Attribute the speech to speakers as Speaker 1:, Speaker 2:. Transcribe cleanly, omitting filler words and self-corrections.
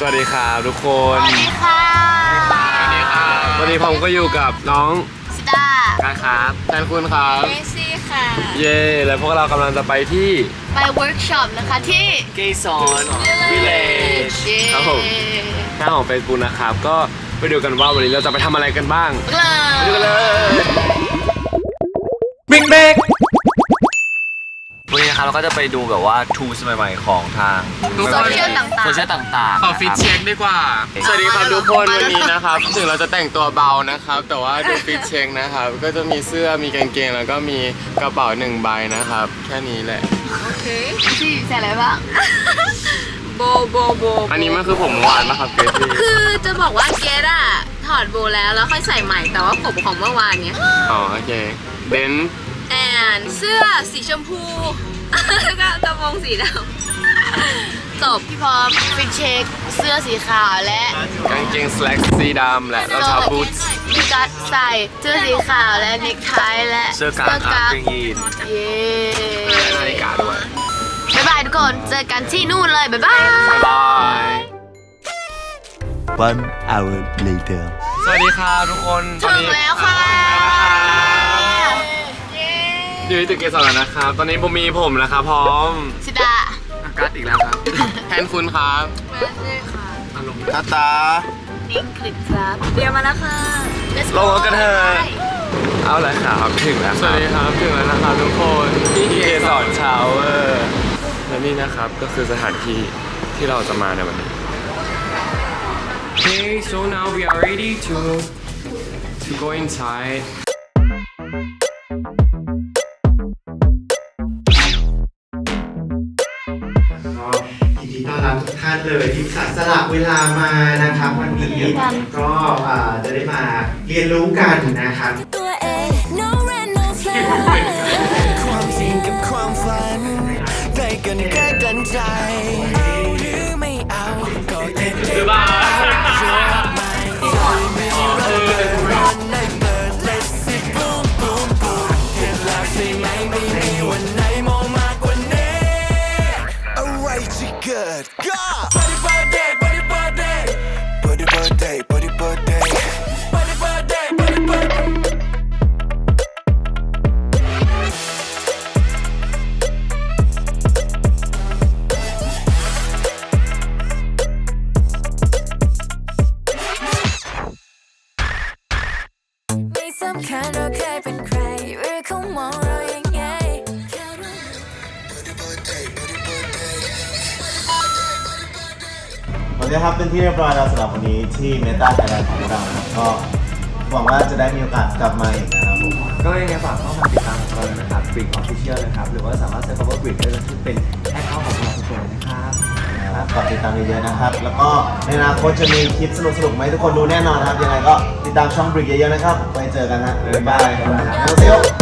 Speaker 1: สวัสดีครับทุกคน
Speaker 2: สวัสดีค่ะ
Speaker 1: สวัสดีครับวันนี้ผมก็อยู่กับน้อง
Speaker 2: ซิดา
Speaker 1: การครับแทนคุณครับ
Speaker 2: เมซี่ค่ะ
Speaker 1: เย่แล้วพวกเรากำลังจะไปที่
Speaker 2: ไปเวิร์กช็อปนะคะที่
Speaker 1: เกสรวิลเลจครับผมหน้าของเฟซบุ๊กนะครับก็ไปดูกันว่าวันนี้เราจะไปทำอะไรกันบ้างไปดูกันเลยบิ๊กเบก
Speaker 3: วันนี้นะครับเราก็จะไปดูแบบว่า tools ใหม่ๆของทาง
Speaker 2: โซเชียลต่าง
Speaker 3: โซเชียลต่างๆ
Speaker 1: ขอฟิตเช็คดีกว่าสวัสดีครับทุกคนวันนี้นะครับถึงเราจะแต่งตัวเบานะครับแต่ว่าดูฟิตเช็คนะครับก็จะมีเสื้อมีกางเกงแล้วก็มีกระเป๋า1 ใบนะครับแค่นี้แหละ
Speaker 2: ๆโอเคที่ใส่อะไรบ้างโบ
Speaker 1: อันนี้มันคือผมวานนะครับเกรซี่
Speaker 2: คือจะบอกว่าเกดอะถอดโบแล้วค่อยใส่ใหม่แต่ว่าผมของเมื่อวานเนี้ย
Speaker 1: อ๋อโอเคเบน
Speaker 2: แอนเสื้อสีชมพูแล้วก็กระโปรงสีดำจบพี่พร้อมฟิตเช็คเสื้อสีขาวและ
Speaker 1: กางเกงสแล็กสีดำและรองเท้าบูทส์
Speaker 2: พี่กัดใส่เสื้อสีขาวและเนคไทและ
Speaker 3: เสื้อกางครับกางยีน
Speaker 2: เย้
Speaker 1: นาฬิกาด้วย
Speaker 2: บ๊ายบายทุกคนเจอกันที่นู่นเลยบ๊ายบาย
Speaker 1: บ๊ายบาย
Speaker 4: 1 hour later
Speaker 1: สวัสดีครับทุกคนตอน
Speaker 2: ถึง
Speaker 1: นี้
Speaker 2: แล้วค่ะ
Speaker 1: อยู่ที่ตึกเกสรแล้วนะครับตอนนี้ผมมีผมนะครับพร้อม
Speaker 2: สิดา
Speaker 1: อากาศอีกแล้วครับแทนคุณครับ
Speaker 2: มาเลยค่ะ
Speaker 1: อารมณ์
Speaker 4: ตาตา
Speaker 2: นิ่งคลิปครับเดี๋ยวมาแล้วค่ะ Let's
Speaker 1: ล
Speaker 2: go
Speaker 1: งรถกันเถอะเอาเลยครับถึงแล้วสวัสดีครับถึงแล้วนะครับทุกคนที่เกสรชาวเวอร์และนี่นะครับก็คือสถานที่ที่เราจะมาในวันนี้ Okay, so now we are ready to go inside.
Speaker 5: ยินดีต้อนรับทุกท่านเลยที่สละเวลามานะครับวันนี้ก็จะได้มาเรียนรู้กันนะครับ
Speaker 4: ความจริงกับความฝันได้กันใกล้กันใจเอาหรือไม่เอาก็แค่เก็บเอาไม่ร้อนในเปิด Let's see boom boom boom เห็นแล้วใช่ไหมไม่มีวันไหนมองมากกว่านี้อะไรจะเกิดก็ Body birthday Body birthday Body birthday Body birthday Body birthday Body birthday
Speaker 6: ไม่สำคัญเราเคยเป็นใครหรือเขามองเรายังไง
Speaker 5: โอเคครับเป็นที่เรียบร้อยแล้วสำหรับวันนี้ที่เมตาไทยแลนด์ของเรานะครับก็หวังว่าจะได้มีโอกาสกลับมาอีกนะครับผม
Speaker 3: ก็ยังไงฝากเข้ามาติดตามเราเลยนะครับ Brick Official นะครับ หรือว่าสามารถเซิร์ชคำว่า Brick ได้เลยที่เป็นแอคเคาท์ของเราทุกคนเลยนะครับ
Speaker 5: นะครับฝากติดตามเยอะๆนะครับ แล้วก็ในอนาคตจะมีคลิปสนุกๆไหมาให้ทุกคนดูแน่นอนนะครับยังไงก็ติดตามช่องบริกเยอะๆนะครับไว้เจอกันฮะบ๊ายบายครับ